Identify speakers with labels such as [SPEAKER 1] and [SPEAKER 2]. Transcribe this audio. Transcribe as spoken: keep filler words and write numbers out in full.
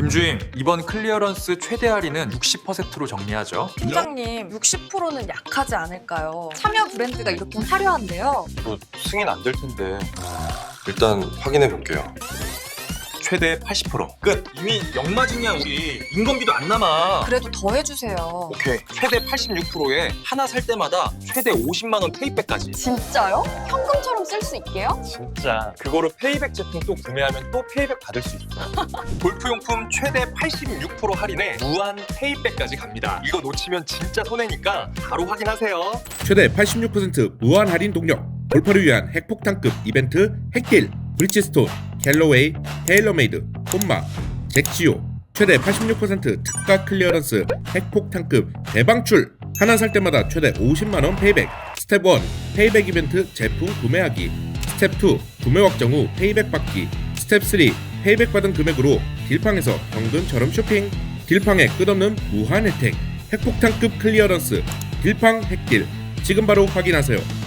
[SPEAKER 1] 김주임, 이번 클리어런스 최대 할인은 육십 퍼센트로 정리하죠.
[SPEAKER 2] 팀장님, 육십 퍼센트는 약하지 않을까요? 참여 브랜드가 이렇게 화려한데요.
[SPEAKER 3] 이거 승인 안 될 텐데. 일단 확인해 볼게요.
[SPEAKER 1] 최대 팔십 퍼센트. 끝. 이미 역마진이야 우리. 인건비도 안 남아.
[SPEAKER 2] 그래도 더 해주세요.
[SPEAKER 1] 오케이. 최대 팔십육 퍼센트에 하나 살 때마다 최대 오십만 원 페이백까지.
[SPEAKER 2] 진짜요? 현금처럼 쓸 수 있게요?
[SPEAKER 1] 진짜. 그거로 페이백 제품 또 구매하면 또 페이백 받을 수 있어. 골프용품 최대 팔십육 퍼센트 할인에 무한 페이백까지 갑니다. 이거 놓치면 진짜 손해니까 바로 확인하세요.
[SPEAKER 4] 최대 팔십육 퍼센트 무한 할인 동력, 골퍼를 위한 핵폭탄급 이벤트 핵딜, 브리치스톤, 갤러웨이, 테일러메이드, 콤마, 잭지오, 최대 팔십육 퍼센트 특가 클리어런스 핵폭탄급 대방출, 하나 살 때마다 최대 오십만 원 페이백, 스텝 일 페이백 이벤트 제품 구매하기, 스텝 이 구매 확정 후 페이백 받기, 스텝 삼 페이백 받은 금액으로 딜팡에서 현금처럼 쇼핑, 딜팡의 끝없는 무한 혜택, 핵폭탄급 클리어런스, 딜팡 핵딜, 지금 바로 확인하세요.